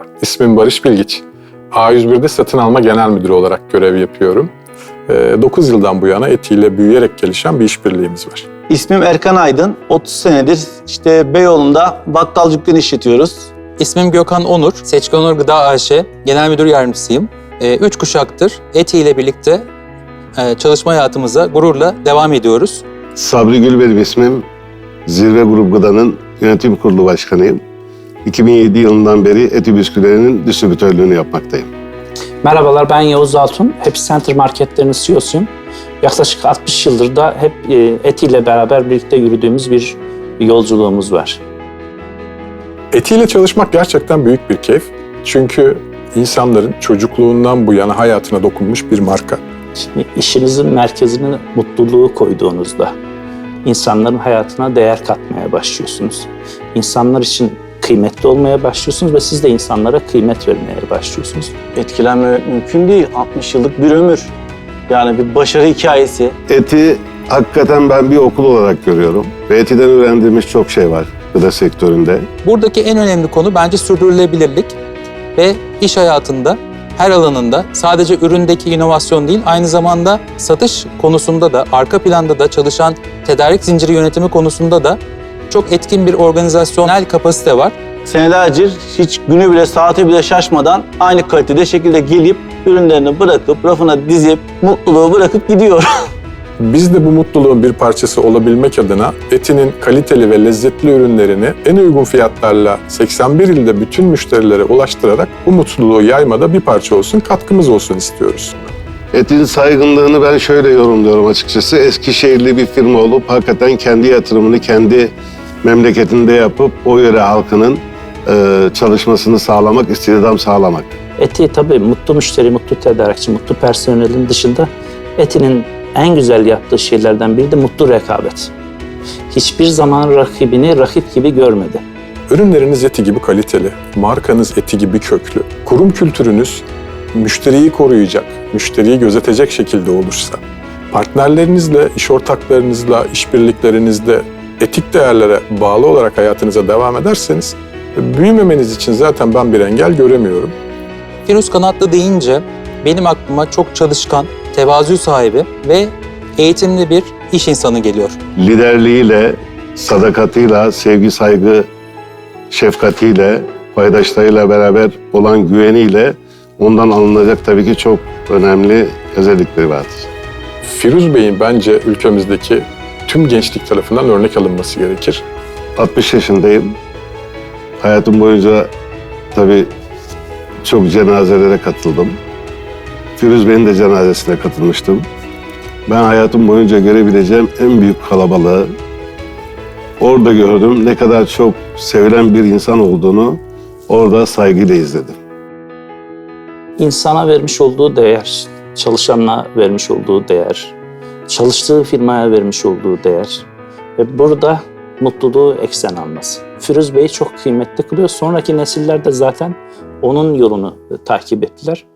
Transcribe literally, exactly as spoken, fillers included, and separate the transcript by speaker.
Speaker 1: İsmim Barış Bilgiç. A yüz bir'de satın alma genel müdürü olarak görev yapıyorum. dokuz yıldan bu yana Eti ile büyüyerek gelişen bir işbirliğimiz var.
Speaker 2: İsmim Erkan Aydın. otuz senedir işte Beyoğlu'nda bakkal dükkanı işletiyoruz.
Speaker 3: İsmim Gökhan Onur, Seçkin Onur Gıda A Ş Genel Müdür Yardımcısıyım. Ee, üç kuşaktır Eti ile birlikte e, çalışma hayatımıza gururla devam ediyoruz.
Speaker 4: Sabri Gül benim ismim. Zirve Grup Gıda'nın yönetim kurulu başkanıyım. iki bin yedi yılından beri Eti bisküvilerinin distribütörlüğünü yapmaktayım.
Speaker 5: Merhabalar, ben Yavuz Altun. Happy Center marketlerinin C E O'suyum. Yaklaşık altmış yıldır da hep Eti ile beraber birlikte yürüdüğümüz bir yolculuğumuz var.
Speaker 1: Eti ile çalışmak gerçekten büyük bir keyif. Çünkü insanların çocukluğundan bu yana hayatına dokunmuş bir marka.
Speaker 5: Şimdi işinizin merkezine mutluluğu koyduğunuzda insanların hayatına değer katmaya başlıyorsunuz. İnsanlar için kıymetli olmaya başlıyorsunuz ve siz de insanlara kıymet vermeye başlıyorsunuz.
Speaker 2: Etkilenmemek mümkün değil. altmış yıllık bir ömür. Yani bir başarı hikayesi.
Speaker 4: Eti hakikaten ben bir okul olarak görüyorum. Ve Eti'den öğrendiğimiz çok şey var gıda sektöründe.
Speaker 3: Buradaki en önemli konu bence sürdürülebilirlik ve iş hayatında her alanında sadece üründeki inovasyon değil, aynı zamanda satış konusunda da, arka planda da çalışan tedarik zinciri yönetimi konusunda da çok etkin bir organizasyonel kapasite var.
Speaker 2: Senelerce hiç günü bile saati bile şaşmadan aynı kalitede şekilde gelip ürünlerini bırakıp rafına dizip mutluluğu bırakıp gidiyor.
Speaker 1: Biz de bu mutluluğun bir parçası olabilmek adına Eti'nin kaliteli ve lezzetli ürünlerini en uygun fiyatlarla seksen bir ilde bütün müşterilere ulaştırarak bu mutluluğu yaymada bir parça olsun, katkımız olsun istiyoruz.
Speaker 4: Eti'nin saygınlığını ben şöyle yorumluyorum açıkçası. Eskişehirli bir firma olup hakikaten kendi yatırımını kendi memleketinde yapıp o yöre halkının e, çalışmasını sağlamak, istihdam sağlamak.
Speaker 5: Eti tabii mutlu müşteri, mutlu tedarikçi, mutlu personelin dışında Eti'nin en güzel yaptığı şeylerden biri de mutlu rekabet. Hiçbir zaman rakibini rakip gibi görmedi.
Speaker 1: Ürünleriniz Eti gibi kaliteli, markanız Eti gibi köklü, kurum kültürünüz müşteriyi koruyacak, müşteriyi gözetecek şekilde olursa, partnerlerinizle, iş ortaklarınızla, işbirliklerinizde etik değerlere bağlı olarak hayatınıza devam ederseniz, büyümemeniz için zaten ben bir engel göremiyorum.
Speaker 3: Firuz Kanatlı deyince benim aklıma çok çalışkan, tevazu sahibi ve eğitimli bir iş insanı geliyor.
Speaker 4: Liderliğiyle, sadakatiyle, sevgi, saygı, şefkatiyle, paydaşlarıyla beraber olan güveniyle ondan alınacak tabii ki çok önemli özellikleri vardır.
Speaker 1: Firuz Bey'in bence ülkemizdeki tüm gençlik tarafından örnek alınması gerekir.
Speaker 4: altmış yaşındayım. Hayatım boyunca tabii çok cenazelere katıldım. Firuz Bey'in de cenazesine katılmıştım. Ben hayatım boyunca görebileceğim en büyük kalabalığı orada gördüm. Ne kadar çok sevilen bir insan olduğunu orada saygıyla izledim.
Speaker 5: İnsana vermiş olduğu değer, çalışanına vermiş olduğu değer, çalıştığı firmaya vermiş olduğu değer ve burada mutluluğu eksen alması. Firuz Bey'i çok kıymetli kılıyor. Sonraki nesiller de zaten onun yolunu takip ettiler.